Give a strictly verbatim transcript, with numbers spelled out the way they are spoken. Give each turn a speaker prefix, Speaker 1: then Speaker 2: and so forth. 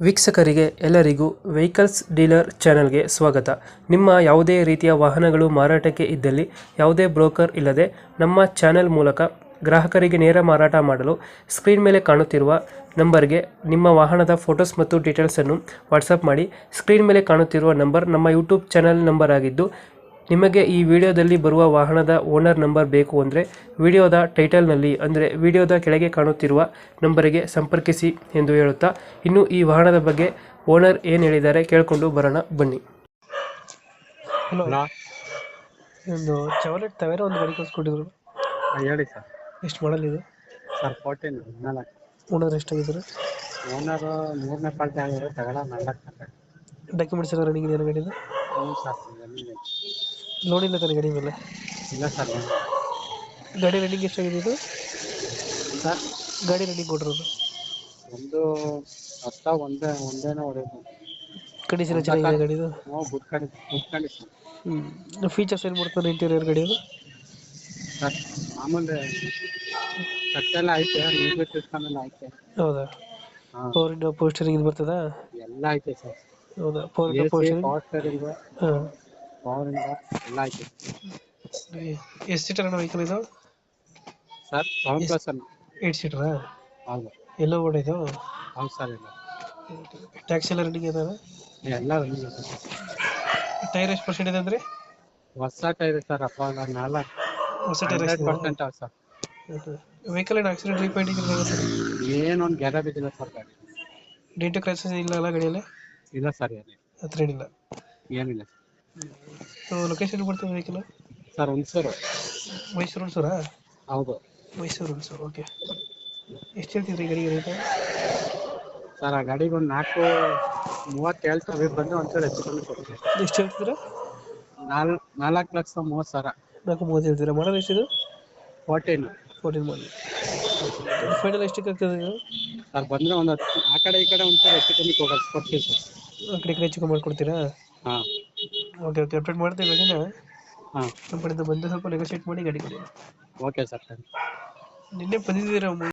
Speaker 1: ವೀಕ್ಷಕರಿಗೆ ಎಲ್ಲರಿಗೂ vehicles dealer ಚಾನೆಲ್ಗೆ ಸ್ವಾಗತ. ನಿಮ್ಮ ಯಾವುದೇ ರೀತಿಯ ವಾಹನಗಳು ಮಾರಾಟಕ್ಕೆ ಇದ್ದಲ್ಲಿ ಯಾವುದೇ ಬ್ರೋಕರ್ ಇಲ್ಲದೆ ನಮ್ಮ ಚಾನೆಲ್ ಮೂಲಕ ಗ್ರಾಹಕರಿಗೆ ನೇರ ಮಾರಾಟ ಮಾಡಲು ಸ್ಕ್ರೀನ್ ಮೇಲೆ ಕಾಣುತ್ತಿರುವ ನಂಬರ್ಗೆ ನಿಮ್ಮ ವಾಹನದ ಫೋಟೋಸ್ ಮತ್ತು ಡೀಟೇಲ್ಸನ್ನು ವಾಟ್ಸಪ್ ಮಾಡಿ. ಸ್ಕ್ರೀನ್ ಮೇಲೆ ಕಾಣುತ್ತಿರುವ ನಂಬರ್ ನಮ್ಮ ಯೂಟ್ಯೂಬ್ ಚಾನೆಲ್ ನಂಬರ್ ಆಗಿದ್ದು, ನಿಮಗೆ ಈ ವಿಡಿಯೋದಲ್ಲಿ ಬರುವ ವಾಹನದ ಓನರ್ ನಂಬರ್ ಬೇಕು ಅಂದರೆ ವಿಡಿಯೋದ ಟೈಟಲ್ನಲ್ಲಿ ಅಂದರೆ ವಿಡಿಯೋದ ಕೆಳಗೆ ಕಾಣುತ್ತಿರುವ ನಂಬರಿಗೆ ಸಂಪರ್ಕಿಸಿ ಎಂದು ಹೇಳುತ್ತಾ, ಇನ್ನು ಈ ವಾಹನದ ಬಗ್ಗೆ ಓನರ್ ಏನು ಹೇಳಿದ್ದಾರೆ ಕೇಳಿಕೊಂಡು ಬರೋಣ ಬನ್ನಿ. ಹಲೋ,
Speaker 2: ಹಲೋ
Speaker 1: ಒಂದು ಚವಲೆಟ್ ತವೇರ ಒಂದು ಗಾಡಿ ಕಳಿಸ್ಕೊಟ್ಟಿದ್ರು,
Speaker 2: ಹೇಳಿ ಸರ್.
Speaker 1: ಎಷ್ಟು ಮಾಡಲ್ ಇದು?
Speaker 2: ಸರ್ ಫೋರ್ಟೀನ್ ಹದಿನಾಲ್ಕು.
Speaker 1: ಓನರ್ ಎಷ್ಟಾಗಿದ್ದಾರೆ?
Speaker 2: ಓನರು ಮೂರನೇ ಪಾರ್ಟಿ ಆಗಿರೋ ತಗೊಳ ನಾಲ್ಕು.
Speaker 1: ಡಾಕ್ಯುಮೆಂಟ್ಸ್ ಎಲ್ಲ ರನ್ನಿಂಗ್ ಇದೆಯಾ ಗಾಡಿದು?
Speaker 2: ಹ್ಞೂ ಸರ್, ರನ್ನಿಂಗ್
Speaker 1: ಲೋನ್ ಇಲ್ಲ ತಾನೆ ಗಾಡಿ ಮೇಲೆ?
Speaker 2: ಇಲ್ಲ ಸರ್.
Speaker 1: ಗಾಡಿ ರನ್ನಿಂಗ್ ಎಷ್ಟಾಗಿದೆ ಇದು?
Speaker 2: ಸರ್
Speaker 1: ಗಾಡಿ ರನ್ನಿಂಗ್ ಕೊಟ್ಟಿರೋದು
Speaker 2: ಒಂದು ಹತ್ತ ಒಂದೇ ಒಂದೇನೋ ಹೊಡೆಯೋದು.
Speaker 1: ಕಂಡೀಷನ್ ಚೆನ್ನಾಗಿದೆ ಗಾಡಿದು?
Speaker 2: ಹ್ಞೂ ಗುಡ್ ಕಂಡಿ ಗುಡ್ ಕಂಡೀಷನ್.
Speaker 1: ಹ್ಞೂ ಫೀಚರ್ಸ್ ಏನು ಮಾಡ್ತಾರೆ ಇಂಟೀರಿಯರ್ ಗಾಡಿದು?
Speaker 2: ಸರ್ ಮಾಮೂಲಿ ಕಟ್ಟೆಲ್ಲ ಐತೆ, ಮ್ಯೂಸಿಕ್ ಸಿಸ್ಟಮ್ ಎಲ್ಲ ಐತೆ.
Speaker 1: ಹೌದಾ?
Speaker 2: ಹಾಂ,
Speaker 1: ಪವರ್ ಇಂಡೋ ಪೋಸ್ಟರಿಂಗ್ ಇದು ಬರ್ತದಾ?
Speaker 2: ಎಲ್ಲ ಐತೆ ಸರ್.
Speaker 1: ಹೌದಾ? ಪವರ್
Speaker 2: ಎ
Speaker 1: ಇಂಡೋ
Speaker 2: ಸಿ,
Speaker 1: ಪೋಸ್ಟರಿಂಗ್?
Speaker 2: ಪವರ್ ಸ್ಟೇರಿಂಗು,
Speaker 1: ಹಾಂ.
Speaker 2: ಪವರ್ ಇಂಡ ಎಲ್ಲ ಐತೆ
Speaker 1: ಎಷ್ಟು ಸೀಟರ್ ಅಣ್ಣ ವೆಹಿಕಲ್ ಇದು?
Speaker 2: ಸರ್. ಸೆವೆನ್ ಪ್ಲಸ್ ಅನ್ನು.
Speaker 1: ಏಟ್ ಸೀಟರಾ?
Speaker 2: ಹೌದು
Speaker 1: ಎಲ್ಲೋ ಓಡ ಇದು?
Speaker 2: ಹೌದು ಸರ್. ಇಲ್ಲ
Speaker 1: ಟ್ಯಾಕ್ಸ್ ಎಲ್ಲ ರನ್ನಿಂಗ್ ಇದಾವೆ?
Speaker 2: ಎಲ್ಲ ರನ್ನಿಂಗ್ ಐತೆ ಸರ್.
Speaker 1: ಟೈರ್ ಎಷ್ಟು ಪರ್ಸೆಂಟ್ ಇದೆ ಅಂದರೆ?
Speaker 2: ಹೊಸ ಟೈರ್ ಸರ್. ಅಪ್ಪ ನಾಲ್ಕು
Speaker 1: ಹೊಸ ಟೈರ್
Speaker 2: ಹಂಡ್ರೆಡ್ ಪರ್ಸೆಂಟ್ ಅವ ಸರ್.
Speaker 1: ವೆಹಿಕಲ್ ಏನು ಆಕ್ಸಿಡೆಂಟ್ ರೀಪೇಂಟಿಂಗ್ ಇರುತ್ತೆ?
Speaker 2: ಏನೊಂದು ಗ್ಯಾರ ಬಿದ್ದಿಲ್ಲ ಸರ್ ಗಾಡಿ.
Speaker 1: ಡೆಂಟು ಕ್ರ್ಯಾಚಸ್ ಇಲ್ಲ ಅಲ್ಲ ಗಾಡಿಯಲ್ಲಿ?
Speaker 2: ಇಲ್ಲ ಸರ್, ಏನಿಲ್ಲ
Speaker 1: ಹತ್ರ ಏನಿಲ್ಲ.
Speaker 2: ಏನಿಲ್ಲ
Speaker 1: ಲೊಕೇಶನ್ ಬರ್ತದೆ ವೆಹಿಕಲ್?
Speaker 2: ಸರ್. ಹುಣಸೂರು.
Speaker 1: ಮೈಸೂರು ಹುಣಸೂರಾ?
Speaker 2: ಹೌದು
Speaker 1: ಮೈಸೂರು ಹುಣಸೂರು. ಓಕೆ. ಎಷ್ಟು ಹೇಳ್ತಿದ್ರಿ ಗಾಡಿಗೆ ರೇಟ್?
Speaker 2: ಸರ್ ಆ ಗಾಡಿಗೆ ಒಂದು ನಾಲ್ಕು ಮೂವತ್ತು ಹೇಳ್ತಾರೆ, ಬಂದು ಒಂಚೂರು ಹೆಚ್ಚು ಕಮ್ಮಿ ಕೊಡ್ತೀವಿ.
Speaker 1: ಎಷ್ಟು ಹೇಳ್ತಿದ್ದೀರಾ?
Speaker 2: ನಾಲ್ಕು ನಾಲ್ಕು ಲಕ್ಷ ಮೂವತ್ತು ಸಾವಿರ.
Speaker 1: ನಾಲ್ಕು ಮೂವತ್ತು ಹೇಳ್ತೀರಾ? ಮಾಡೋದು ಎಷ್ಟಿದು?
Speaker 2: ಫೋರ್ಟೀನ್
Speaker 1: ಫೋರ್ಟೀನ್ ಮಾಡಿ. ಫೈನಲ್ ಎಷ್ಟಕ್ಕೆ ಆಗ್ತದೆ ಇದು?
Speaker 2: ಸರ್ ಬಂದರೆ ಒಂದು ಹತ್ತು ಆ ಕಡೆ ಈ ಕಡೆ ಒಂಚೂರು ಹೆಚ್ಚು ಕಮ್ಮಿ ಕೊಡೋದು ಕೊಡ್ತೀವಿ ಸರ್.
Speaker 1: ಆ ಕಡೆ ಈ ಕಡೆ ಹೆಚ್ಚು ಮಾಡ್ಕೊಡ್ತೀರಾ?
Speaker 2: ಹಾಂ
Speaker 1: ಓಕೆ ಓಕೆ ಅಪ್ಡೇಟ್ ಮಾಡ್ತೀವಿ ಗಾಡಿನ.
Speaker 2: ಹಾಂ
Speaker 1: ನಮ್ಮ ಕಡೆಯಿಂದ ಬಂದು ಸ್ವಲ್ಪ ನೆಗೋಷಿಯೇಟ್ ಮಾಡಿ ಗಾಡಿ ಕೊಡಿ.
Speaker 2: Okay sir. Thank you.
Speaker 1: ನಿನ್ನೆ ಬಂದಿದ್ದೀರಾ?